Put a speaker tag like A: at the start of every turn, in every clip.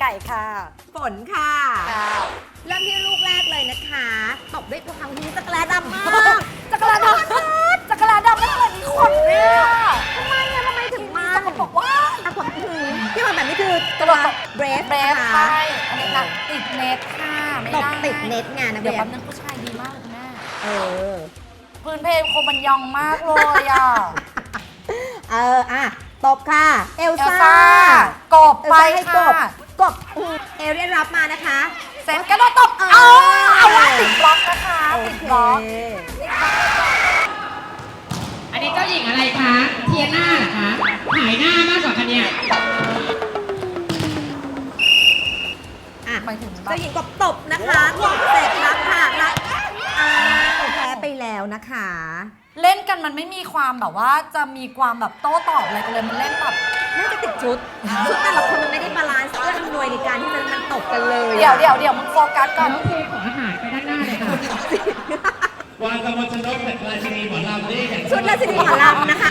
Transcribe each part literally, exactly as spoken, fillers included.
A: ก่ค่ะ
B: ฝนค่ะ
A: ค่ะ
B: เริ่มที่ลูกแรกเลยนะคะตบด้วยตัวคำนี้จักรแลดำมาก
A: จักรแลดำจักรแลดำไม่เหมือนมีขนเนี่ยทำไมอะทำไมถึงมาสกปรกว่า
B: อ่ะผมอือที่มันแบบนี้คือ
A: ตั
B: ตัว
A: ว
B: เบรฟ
A: เบรฟ
B: นะคะ
A: ใช่อันนี้นะติดเน็ตค่ะไม่
B: ตบ
A: ได้
B: ติดเน็ตไงนะเบ
A: เดี๋ยว
B: ร
A: แป๊
B: ฟ
A: บนึงผู้ชายดีมากเลยคุณแม่
B: เออ
A: พื้นเพลงโคมันยองมากเลยอ่ะ
B: เอออ่ะตบค่ะ เอล
A: เอล
B: ซ่า
A: ซ่ากบ
B: เอล
A: ไป
B: ซ่าให้ก
A: ค่ะ
B: บกบอืมเอเรียนรับมานะคะ
A: เสร็จกระโดดตบ
B: เออ
A: เอาเอาว่าติดบล็อกนะคะ
B: โอ
A: ติด
B: เค
A: บล็อก
C: อันนี้เจ้าหญิงอะไรคะ เทียน่าเหรอคะหายหน้ามากกว่าคะเนี่ย
B: อ่ะ
A: หมายถึงแบบ
B: เจ้าหญิงกบตบนะคะตบเสร็จรับค่ะรับอ้าวแพ้ไปแล้วนะคะ
A: เล่นกันมันไม่มีความแบบว่าจะมีความแบบโต้ตอบอะไรกันเลยมันเล่นแบบ
B: น่าจะติดชุด ชุดแต่ละคนมันไม่ได้บาลานซ์เพื่ออำนวยในการที่จะมันตบกันเลยอะ
A: เดี๋ยวเดี๋ยวเดี๋ยวมึงโฟกัสก่อน
C: น้องครูขออาหารไปด้านหน้าเลยค่ะ
D: วางกำมลชนกเป็นราชินีหมอลำนี่อย่าง
B: ชุดราชินีหมอลำนะคะ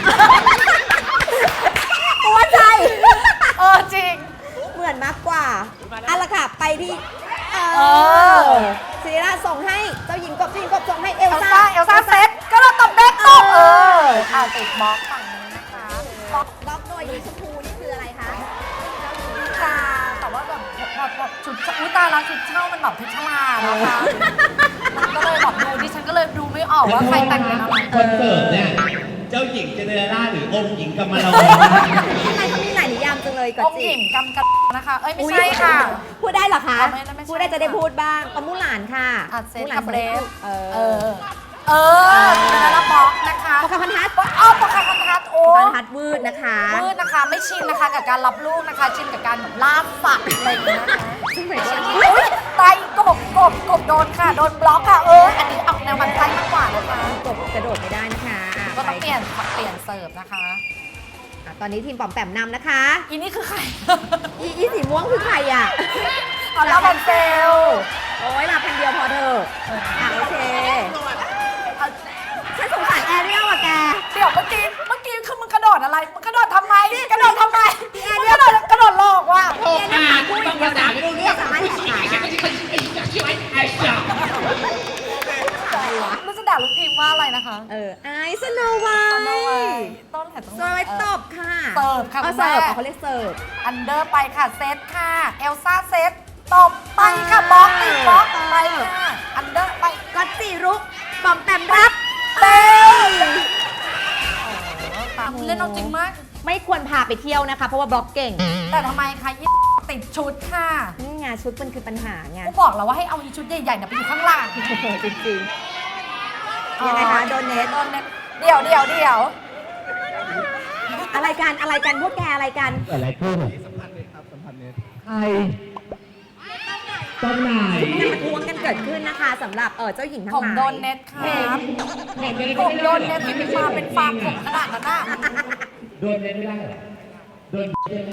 B: ตัวใจ
A: เออจริง
B: เหมือนมากกว่าเอาละค่ะ ไปที่เอ
A: เอ
B: อ
A: อ
B: ศิริราชส่งให้เจ้าหญิงกบเจ้าหญิงกบส่งให้เอ
A: เอ
B: ล
A: ล
B: ซ่า
A: ซ่าเอลซ่าเซ็ตก็เราตบเด็กตบเอออ่าติดบล็อกฝั่งนี้นะคะบล็อก
B: ล็อกโดยยีชมพูนี่คืออะไรคะ
A: ค่ะแต่ว่าแบบแบบแบบชุดอุ้ยตายแล้วชุดเช่ามันแบบเพชรลานะคะมันก็เลยแบบดูดิฉันก็เลยดูไม่ออกว่าใครแต่งเป็นอะไร
D: คอนเสิร์ตเนี่ย เจ้าหญิงเจเนเรล่าหรือองค์หญิงกำมะลอ
B: ทำไมเขามีหลายนิยามจังเลยก่อน
A: องค์
B: จิ
A: หญิงกำกับนะคะ เอ้ยไม่ใช่ค่ะ
B: พูดได้เหรอคะ
A: เอาไม่ได้ไม่ใช่
B: พูดได้จะได้พูดบ้างปะมูหลานค่ะ
A: อัดเซต
B: มูหลา
A: กับเบรฟ
B: เอ
A: เอ
B: อ
A: อ เออเป็นแล้วบล็อกนะคะ
B: ปะคาพันทัด
A: อ้าวปะคาพันทัดโอ้
B: พันทัดวืดนะคะ
A: มืดนะคะไม่ชินนะคะกับการรับลูกนะคะ ชินกับการแบบล่าสัตว์อะไรอย่างเงี้ยนะคะ
B: ซึ่งหมายถึง
A: อุ๊ยตายกบกบกบโดนค่ะ โดนบล็อกค่ะ เออ อันนี้ออกแนวมันไส้มากกว่านะคะ
B: กบกระโดดไม่ได้นะคะอ่ะ
A: ก็ต้อง
B: ไป
A: เปลี่ยนเปลี่ยนเสิร์ฟนะคะ
B: อ่ะตอนนี้ทีมปอมแปมนำนะคะ
A: อีนี่คือใคร
B: อีอีสีม่วงคือใครอ่ะ
A: เอาลาบันเซล
B: โอ้ยลาพันเดียวพอเถอะอ่ะโอเคฉันสงสารแอเรียลอ่ะแก
A: เดี๋ยวเมื่อกี้เมื่อกี้คือมึงกระโดดอะไร มึงกระโดดทำไม กระโดดทำไมมึงกระโดดกระโดดหลอกว่ะ
C: โอ้อ่านบางภาษาไม่รู้เรื่อง
B: สามารถแหกขาได้
C: ช่วยไอ้จ่า
A: รู้จะด่าลูกทีมว่าอะไรนะคะ
B: เออไอซ์สโนไว
A: ตอนเอาไว้
B: ท์
A: ต้นแถวตรง
B: สโนไวท์ตบค่ะ
A: เสิร์ฟค่ะ
B: เอา
A: คุณ
B: เสิร์ฟ
A: แม่
B: เอาเขาเรียกเสิร์ฟ
A: อันเดอร์ไปค่ะ เซตค่ะ เอลซ่าเซตตบไปค่ะบล็อกติดบล็อกไปค่ะ อันเดอร์ไป
B: ก็จีรุกปอมแปมรับ
A: เต้ตามเล่นเอาจริงมาก
B: ไม่ควรพาไปเที่ยวนะคะ เพราะว่าบล็อกเก่ง
A: แต่ทำไมคะยี่ติดชุดค่ะ
B: นี่ไงชุดมันคือปัญหาไง
A: กูบอกแล้วว่าให้เอาอีชุดใหญ่ๆเนี่ยไปอยู่ข้างล่าง
B: จริงๆยังไงคะโดนเนท
A: โดนเน็ตเดี๋ยวเดี๋ยวเดี๋ยว
B: อะไรกันอะไรกันพวกแกอะไรกัน
D: อะไรขึ้นสัมพันธ์เลยครับสัมพันธ์เน็ตใครตอนไหน
B: การประท้วงกันเกิดขึ้นนะคะสำหรับเออเจ้าหญิงทั้ง
A: ผม
B: หลาย
A: โดนเน็ตครับผมโดนเน็ตที่มาเป็นฟาร์มผมขนาดนั้นน่ะ
D: โดนเน็ตไม่ได้เหรอโดนเน็ต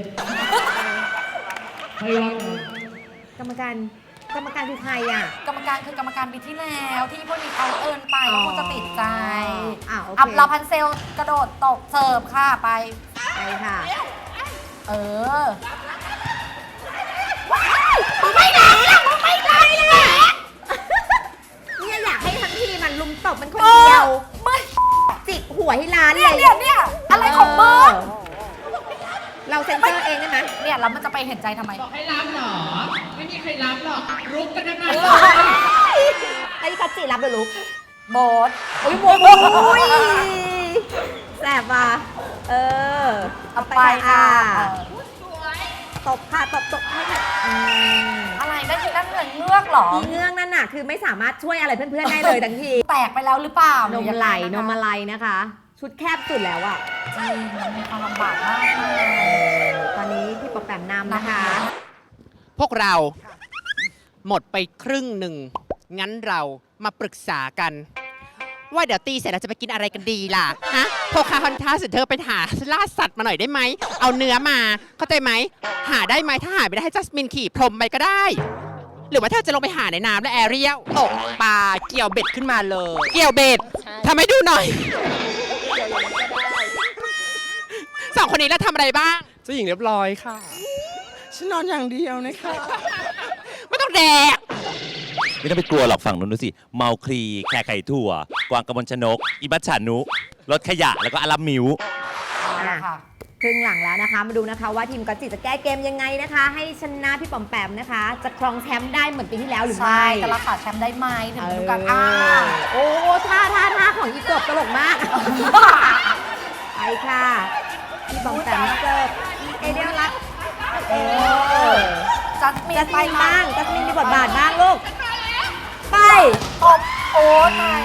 D: ไม่รอด
B: กรรมการกรรมการคือใครอ่ะ
A: กรรมการคือกรรมการปีที่แล้วที่พวกนี้เอาเอิญไปแล้วคุณจะติดใจ
B: อ่าโอเค
A: อับลาพันเซลกระโดดตกเสิร์ฟค่ะไป
B: ไปค่ะ
A: เออ
B: ไม่ไหนล่ะไม่ไหนล่ะเนี่ยอยากให้ทั้งทีมันลุมตบมันคนเดียว
A: ไม่
B: จิกหัวให้ร้าน
A: เนี่
B: เลย ย
A: เนี่ยเนี่ยอะไรของมึง
B: เราเซ็นเซอร์เองได้ไหม
A: เนี่ยแล้วมันจะไปเห็นใจทำไม
C: บอกให้รับเหรอ ไม่มีใครรับหรอก รุกกันทั้งนั้น
B: ไอ้คัตจิรับเลยลูก
A: โบส
B: โอ้ยโอ้ยแสบว่ะเออ
A: เอาไปค่ะ
B: ตบค่ะตบตบให้ค่ะอืม
A: อะไรได้ยินนั่นเหมือนเงือกเหรอ
B: อีเงื่องนั่นน่ะคือไม่สามารถช่วยอะไรเพื่อนๆได้เลยทั้งที
A: แตกไปแล้วหรือเปล่าน
B: มไหลนมอะไรนะคะ ชุดแคบสุดแล้วอ่ะ
A: จริงมันมีความลำบากมากเลย
B: ตอนนี้พี่ปอแปมนำนะคะ
E: พวกเราหมดไปครึ่งหนึ่ง งั้นเรามาปรึกษากัน ว่าเดี๋ยวตีเสร็จเราจะไปกินอะไรกันดีล่ะ ฮะโพคาฮอนทัสเธอไปหาล่าสัตว์มาหน่อยได้ไหม เอาเนื้อมา เข้าใจไหม หาได้ไหม ถ้าหาไม่ได้ให้จัสมินขี่พรมไปก็ได้ หรือว่าเธอจะลงไปหาในน้ำและแอเรียลตกปลาเกี่ยวเบ็ดขึ้นมาเลย เกี่ยวเบ็ดทำให้ดูหน่อย สองคนนี้แล้วทำอะไรบ้าง
F: เจ้าหญิงเรียบร้อยค่ะ ใฉันนอนอย่างเดียวนะคะ
E: ไม่ต้องแดก
G: ไม่ต้องไปกลัวหรอกฝั่งนู้นดูสิ เมาคลี แค่ไข่ถั่ว กวางกระมวลชนก อิบัชชานุ รถขยะ แล้วก็อารัมมิว
A: เอาละค่ะ
B: ครึ่งหลังแล้วนะคะ มาดูนะคะว่าทีมก๊อตจิจะแก้เกมยังไงนะคะ ให้ชนะพี่ปอมแปมนะคะ จะครองแชมป์ได้เหมือนปีที่แล้วหรือ
A: ใช่
B: ไม่
A: จะรักษาแชมป์ได้ไหมถึง
B: เอ
A: ฤ
B: อ
A: ดูกาลอ่า
B: โอ้ท่าท่าท่าของอีกบตลกมาก ไปค่ะพี่ปอมแปมเสิร์ฟเอเดียรักเออ
A: จัสมิน
B: จัส
A: ไป
B: มินบ้างจัสมินมีบทบาทบ้างลูก ไป
A: ตบโอ้ตาย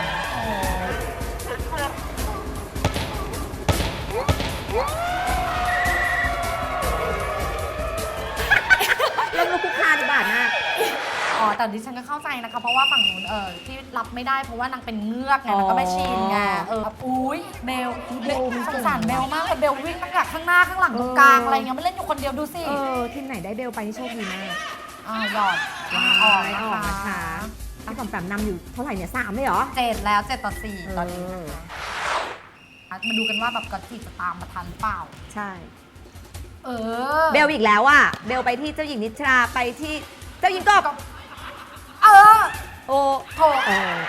B: เรื่องลูกคุกคานบาทมาก
A: อ๋อแต่ดิฉันก็เข้าใจนะคะ เพราะว่าฝั่งนู้นเออที่รับไม่ได้เพราะว่านางเป็นเงือกไงนางก็ไม่ชินไงเอออุ้ยเบลเบลสงสารเบลมากเลยเบลวิ่งตั้งแต่ข้างหน้าข้างหลังตรงกลางอะไรเงี้ยไม่เล่นอยู่คนเดียวดูสิ
B: เออ ทีมไหนได้เบลไปนี่โชคดีมาก
A: อ่าหยอด
B: อ
A: อ
B: อ
A: อก
B: ก
A: นะ
B: ออกนะคะ
A: คะ
B: พี่ปอมแปมนำอยู่เท่าไหร่เนี่ยสามเลยเหรอ
A: เจ็ดแล้วเจ็ดต่อสี่ตอนนี้
B: เออ
A: นะคะมาดูกันว่าแบบกอตจิจะตามมาทันหรือเปล่า
B: ใช่
A: เออ
B: เบลอีกแล้วอ่ะ เบลไปที่เจ้าหญิงนิทราไปที่เจ้าหญิงกบ
A: เออ
B: โอ้
A: โถ
B: เออ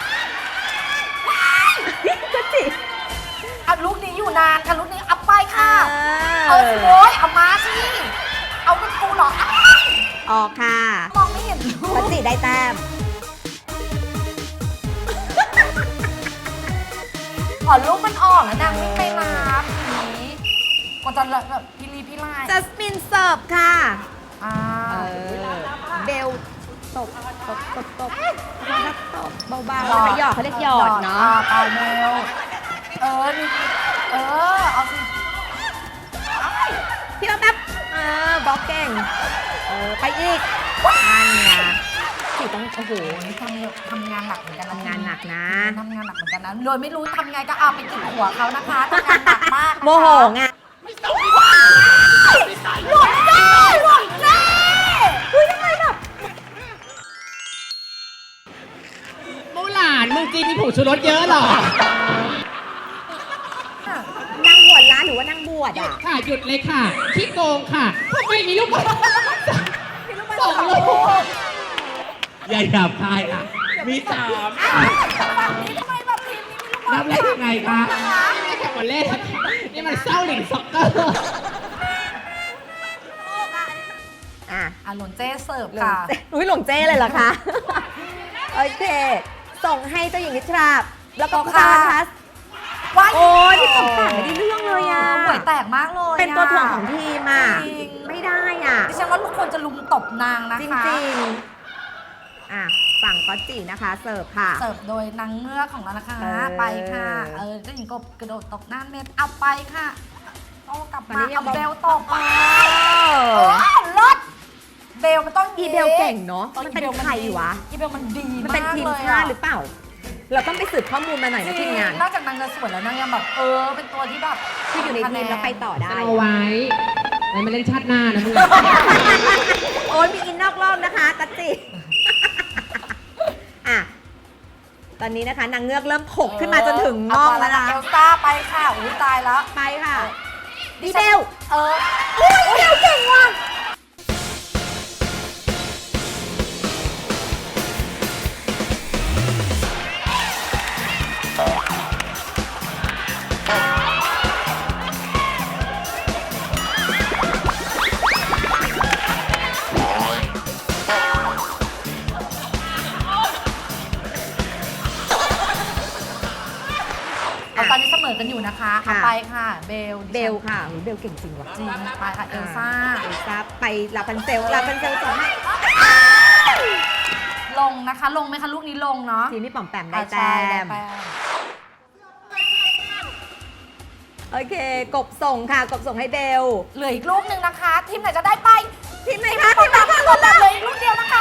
B: ก็จิ
A: อ่ะลูกนี้อยู่นานค่ะลูกนี้เอาไปค่ะ
B: เอ
A: เอา
B: อ
A: สิโว้ยเอามาสิเอาเป็นกูเหรออ้าว
B: ออกค่ะ
A: มองไม่เห็นลู
B: ก็
A: ก
B: จิได้แต้ม
A: ขอลูกมันออกแล้วนางไม่ไปรับอย่างนี้ก็จะแบบพิลีพิไล
B: จัสมินเสิร์ฟค่ะ
A: อ่า
B: เออ เบลตบตบตบตบแล้วตบเบาๆแล้วก็หยอดเขาเรียกหยอดเนาะ
A: ปาเมลเออนี่เออเอาสิ
B: พี่เราแป๊บเออบล็อกเก่ง เออ ไปอีกนั่นไงสิต้องโอ้โห
A: โอ้ยทำทำงานหนักเหมือนกันนะ
B: ทำงานหนักนะ
A: ทำงานหนักเหมือนกันนะโดยไม่รู้ทำไงก็เอาไปกินหัวเขานะคะทำงานหนักมากนะคะ
B: โมโหไง
A: หลุดเจ้หลุดเจ้
B: อุ้ยทำไมแบบ
C: มูหลานมึงกินมีผงชูรสเยอะเหรอ
B: นางบวชร้านหรือว่านางบวช
C: หยุ
B: อ่ะ
C: ดค่ะหยุดเลยค่ะขี้โกงค่ะทำไมมีลูกบอล
B: พี่รู้ไหม
C: สองลูก
F: อย่าหยาบคายอ่ะ มีสาม
A: ทำไมแบบทีมนี้มีลูกบอล
C: รับเล่นยังไงคะไม่ได้แข่งบอลเล่นนี่มันเศร้าหลิงซ็อกเกอร์
B: อ่ะ
A: อ่ะหลนเจ้เสิร์ฟ
B: หลง
A: ค่ะ
B: เจ้อุ้ยหลงเจ้เลยเหรอคะ โอเค ส่งให้เจ้าหญิงนิทราแล้วก็
A: ค่ะ
B: คาทัส
A: ว้าย
B: โอ้ยพี่ปอมแปมไม่ได้เรื่องเลยอ่ะ
A: ห่วยแตกมากเลย
B: เป็นตัวถ่วงของทีมอ่ะ
A: จริง
B: ไม่ได้อ่ะ
A: ดิฉันว่าทุกคนจะลุมตบนางนะ
B: จ
A: คะ
B: ริงๆ อ่ะ ฝั่งก๊อตจินะคะ เสิร์ฟค่ะ
A: เสิร์ฟโดยนางเงือกของเรานะคะ
B: เออ
A: ไปค่ะ เออเจ้าหญิงกบกระโดดตกหน้าเน็ตเอาไปค่ะโอ้กลับ
B: วัน
A: มา
B: นี้ยั
A: เอา
B: งบอก
A: เบลตก
B: เอ
A: เอ
B: อ
A: อรถเบลมันต้อง
B: อีเบลเก่งเนอะ
A: ออ
B: มันเป็น
A: อีบล
B: ใครวะ
A: อีเบลมันดี
B: มัน
A: มาก
B: เป็นทีม
A: เลย
B: ชาติหรือเปล่า เราต้องไปสืบข้อมูลมาหน่อยนะทีมงาน
A: นอกจากนางจะสวยแล้วนางยังแบบเออเป็นตัวที่แบบ
B: ที่อยู่ในทีมแล้วไปต่อได้
C: เอาไว้ไว้มาเล่นชาติหน้านะมึง
B: โอ้ยมีอินนอกรอบนะคะกัจจิ อ่ะ ตอนนี้นะคะนางเงือกเริ่มถกขึ้นมาจนถึงน่องแล้วนะ
A: เอลซ่าไปค่ะอุ้ยตายแล้ว
B: ไปค่ะ
A: ดิ
B: ดี
A: ฉั
B: เบ
A: น
B: ล
A: เออ
B: อุ้ยเบลเก่งว่ะ
A: เอาตอนนี้เสมอกันอยู่นะคะเอาไปค่ะ เบล
B: เบลค่ะอุ๊ยเบลเก่งจริงว่ะ
A: จริงไปค่ะเอลซ่า
B: เอลซ่าไปลาพันเซลลาพันเซลส่งให้
A: ลงนะคะ ลงไหมคะลูกนี้ลงเนาะ
B: ทีมพี่ป๋อมแปมได้
A: อ่ะ
B: แต้
A: ใช่ได้
B: ม
A: แต้ม
B: โอเค กบส่งค่ะ กบส่งให้เบล
A: เหลืออีกลูกหนึ่งนะคะ ทีมไหนจะได้ไป
B: ทีมไหนคะทีมไหนคะ
A: ลงแบบเหลืออีกลูกเดียวนะคะ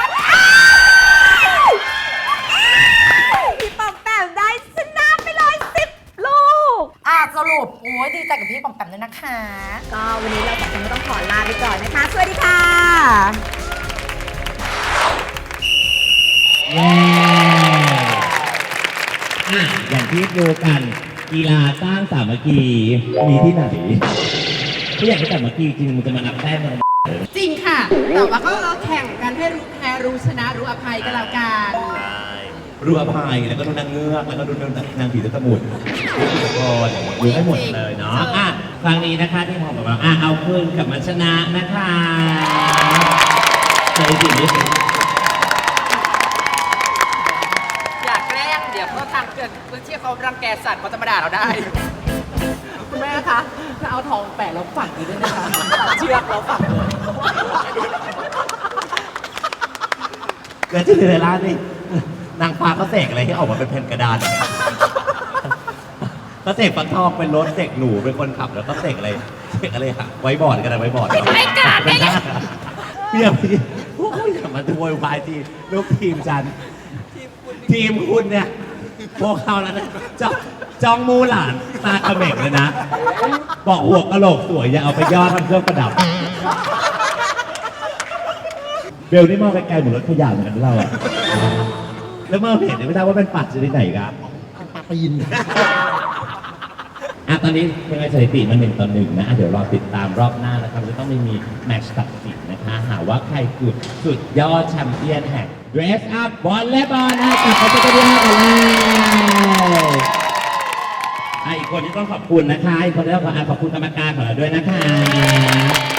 B: พี่ป๋อมแปมได้ชนะไปเลยสิบลูก
A: อ่ะสรุปโอ้ยดีใจกับพี่ปอมแปมด้วยนะคะ
B: ก็วันนี้เราสองคนก็ต้องขอลาไปก่อนนะคะ สวัสดีค่ะ
F: เย้อ่ะอย่างที่รู้กัน กีฬาสร้างสามัคคีมีที่ไหนถ้าอยากให้สามัคคีจริงมึงจะมานับแต้มกัน
C: จริงค่ะค่ะ แต่ว่าก็เราแข่งกันให้รู้แพ้รู้ชนะรู้อภัยกันแล้วกัน
F: รู้อภัยแล้วก็ดูนางเงือกแล้วก็ดูนางผีตะสมุนทุกคนดูให้หมดเลยเนาะอ่ะครั้งนี้นะคะที่ผมบอกว่าอ่ะเอาคืนกลับมาชนะนะคะสถิตินี้
E: อยากแกล้งเดี๋ยวเขาทางเกิดพื้นที่เขารังแกสัตว์เขาจะมาด่าเราได้
C: คุณแม่คะถ้าเอาทองแปะแล้วฝังอยู่ด้วยนะคะเชือกแล้วฝังเลย
F: เกิดที่ในร้านนี่นางฟ้าเขาเสกอะไรให้ออกมาเป็นแผ่นกระดานเนี่ยเขาเสกฟักทองเป็นรถเสกหนูเป็นคนขับแล้วก็เสกอะไรเสกอะไรค่ะไว้บอร์ดกันนะไว้บอร์ดไว้กาดได้เลยเพี่ยพี่พวกคุณอย่ามาโวยวายทีลูกทีมฉันทีมคุณเนี่ยพวกเขาแล้วนะจ้องจ้องมูหลานตาเขม็งเลยนะบอกหัวกะโหลกสวยอย่าเอาไปย่อทำเครื่องประดับเบลนี่มองไกลๆเหมือนรถขยะเหมือนกันเราอะแล้วเมื่อเห็นไม่ทราบว่าเป็นปัดชนิดไหนครับปลาปีนอ่ะตอนนี้ยังไงสถิติมันหนึ่งต่อหนึ่งนะเดี๋ยวรอติดตามรอบหน้านะครับจะต้องไม่มีแมตช์ตัดสินนะคะหาว่าใครคือสุดยอดแชมเปี้ยนแห่ง Dress Up บอลและบอลนะกลับมาเจอกันที่ห้ากันเลยอ่ะอีกคนที่ต้องขอบคุณนะคะอีกคนที่ต้องขอขอบคุณกรรมการของเราด้วยนะคะ